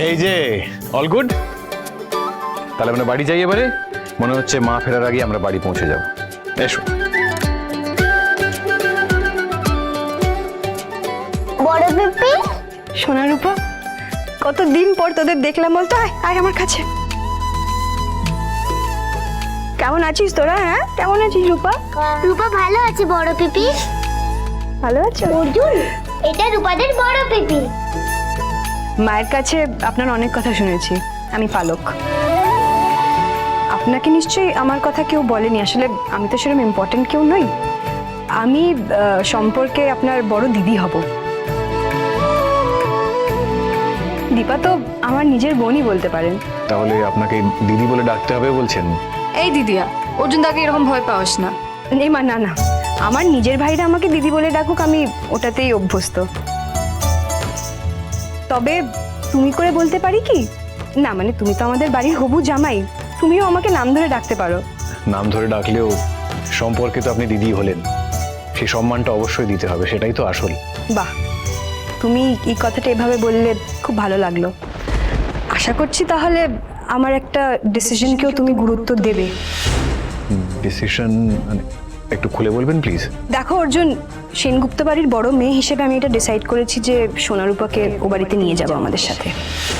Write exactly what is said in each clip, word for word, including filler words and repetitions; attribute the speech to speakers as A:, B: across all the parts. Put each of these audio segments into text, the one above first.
A: এই যে all good, তাহলে আমরা বাড়ি যাই এবারে। মনে হচ্ছে মা ফেরার আগে আমরা বাড়ি পৌঁছে যাব। এসো।
B: বড় পিপি,
C: সোনা রূপা, কতদিন পর তোদের দেখলাম, বলতো আয় আয় আমার কাছে। কেমন আছিস তোরা? হ্যাঁ কেমন আছিস রূপা?
B: রূপা ভালো আছে বড় পিপি।
C: ভালো আছো?
B: অর্জুন, এটা রূপাদের বড় পিপি।
C: মায়ের কাছে আপনার অনেক কথা শুনেছি। আমি পালক। আপনাকে নিশ্চয়ই আমার কথা কেউ বলেনি। আসলে আমি তো সেরকম ইম্পর্টেন্ট কেউ নই। আমি আহ, সম্পর্কে আপনার বড় দিদি হব। দীপা তো আমার নিজের বোনই বলতে পারেন।
A: তাহলে আপনাকে দিদি বলে ডাকতে হবে বলছেন?
D: এই দিদিয়া, অর্জুন দাকে এরকম ভয় পাওয়াস না।
C: এই মা, না না, আমার নিজের ভাইরা আমাকে দিদি বলে ডাকুক, আমি ওটাতেই অভ্যস্ত। তবে তুমি করে বলতে পারি কি? না মানে তুমি তো আমাদের বাড়ির হবু জামাই, তুমিও আমাকে নাম ধরে ডাকতে পারো।
A: নাম ধরে ডাকলেও সম্পর্কে তো আপনি দিদি হলেন, সেই সম্মানটা অবশ্যই দিতে হবে, সেটাই তো আসল।
C: বাহ, তুমি এই কথাটা এভাবে বললে খুব ভালো লাগলো। আশা করছি তাহলে আমার একটা ডিসিশনকেও তুমি গুরুত্ব দেবে।
A: ডিসিশন মানে একটু খুলে বলবেন প্লিজ?
C: দেখো অর্জুন, সেনগুপ্ত বাড়ির বড় মেয়ে হিসেবে আমি এটা ডিসাইড করেছি যে সোনারূপাকে ও বাড়িতে নিয়ে যাবো আমাদের সাথে।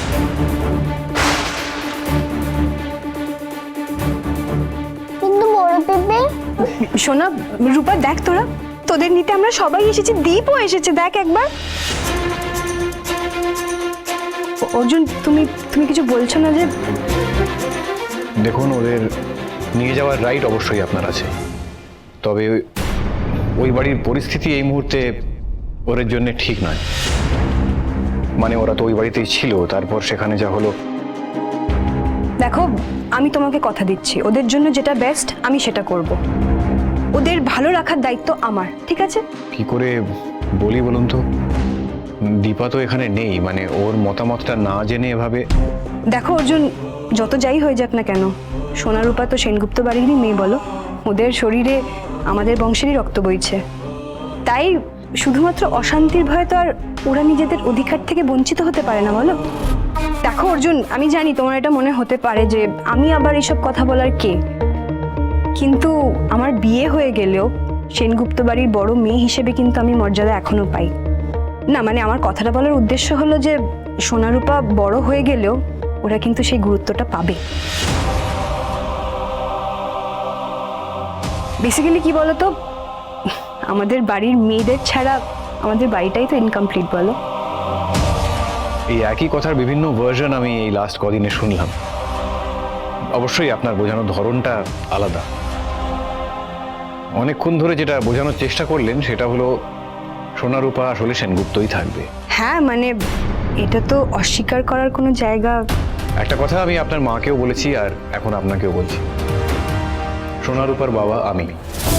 B: কিন্তু বড় পিপি,
C: সোনা রূপা, দেখ তোরা, তোদের নিতে আমরা সবাই এসেছি, দীপও এসেছে, দেখ একবার। অর্জুন, তুমি তুমি কিছু বলছো না যে?
A: দেখুন, ওদের নিয়ে যাওয়ার রাইট অবশ্যই আপনার আছে, তবে ওই বাড়ির পরিস্থিতি এই মুহূর্তে ওদের জন্য ঠিক নয়। মানে ওরা তো ওই বাড়িতেই ছিল, তারপর সেখানে যা হলো।
C: দেখো, আমি তোমাকে কথা দিচ্ছি, ওদের জন্য যেটা বেস্ট আমি সেটা করব। ওদের ভালো রাখার দায়িত্ব আমার, ঠিক আছে?
A: কি করে বলি বলুন তো? দীপা তো এখানে নেই, মানে ওর মতামতটা না জেনে এভাবে।
C: দেখো অর্জুন, যত যাই হয়ে যাক না কেন, সোনারূপা তো সেনগুপ্ত বাড়িরই মেয়ে, বলো? ওদের শরীরে আমাদের বংশেরই রক্ত বইছে। তাই শুধুমাত্র অশান্তির ভয়ে তো আর ওরা নিজেদের অধিকার থেকে বঞ্চিত হতে পারে না, বলো? দেখো অর্জুন, আমি জানি তোমার এটা মনে হতে পারে যে আমি আবার এসব কথা বলার কে, কিন্তু আমার বিয়ে হয়ে গেলেও সেনগুপ্ত বাড়ির বড় মেয়ে হিসেবে কিন্তু আমি মর্যাদা এখনো পাই না। মানে আমার কথাটা বলার উদ্দেশ্য হলো যে সোনারূপা বড় হয়ে গেলেও ওরা কিন্তু সেই গুরুত্বটা পাবে। বেসিক্যালি কি বলতো, আমাদের বাড়ির মেয়েদের ছাড়া আমাদের বাড়িটাই তো ইনকমপ্লিট, বলো?
A: এই একই কথার বিভিন্ন ভার্সন আমি এই লাস্ট কদিনে শুনলাম। অবশ্যই আপনার বোঝানোর ধরনটা আলাদা। অনেকক্ষণ ধরে যেটা বোঝানোর চেষ্টা করলেন সেটা হলো সোনারূপা আসলে সেনগুপ্তই থাকবে।
C: হ্যাঁ মানে এটা তো অস্বীকার করার কোনো জায়গা।
A: একটা কথা আমি আপনার মাকেও বলেছি আর এখন আপনাকেও বলছি, সোনারূপার বাবা আমি।